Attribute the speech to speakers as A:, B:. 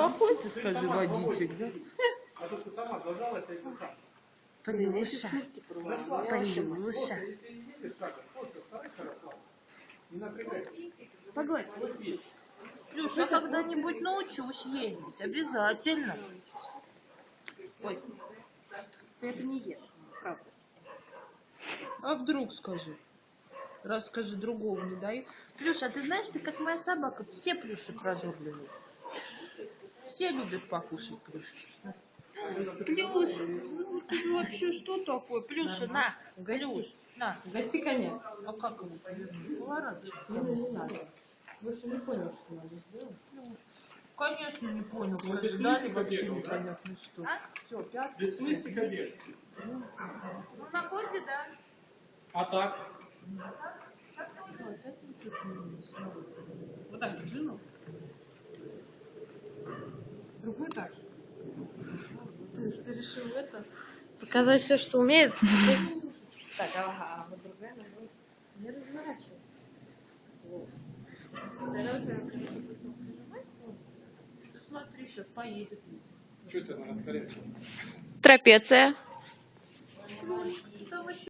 A: какой ты, скажи, водичек, да?
B: А тут ты сама зажалась, и ты сам.
A: Плюша, Плюша.
B: Если едешь шагом, просто старайся расслабиться. Не напрягайся.
A: Погодь.
B: Вот есть.
A: Плюш, я когда-нибудь научусь ездить, обязательно.
C: Ой, ты это не ешь, правда.
A: А вдруг скажи? Раз скажи, другого не дай. Плюша, а ты знаешь, ты как моя собака, все плюши прожорливые. Все любят покушать плюшки. Плюш, ну ты же вообще что такое? Плюша, на, Плюш, на.
C: Гости коня.
A: А как его повернуть? Поворачивайся.
C: Не надо. Больше не понял, что надо сделать.
A: Конечно, не понял.
B: Ну, ты
A: Ждали
B: смысле
A: вообще
B: побегал,
A: непонятно что. Все, пятый.
B: Без смысла бежишь.
A: Ну, на корте, да.
B: А так?
C: Вот так держи, ну. Другой так.
A: Ты решил это?
D: Показать все, что умеет.
C: Так, ага, вот другая нога. Не разворачивайся.
A: Ты смотри, сейчас поедет.
B: Что это на раскорячке?
D: Трапеция.
A: Плюшечка, там еще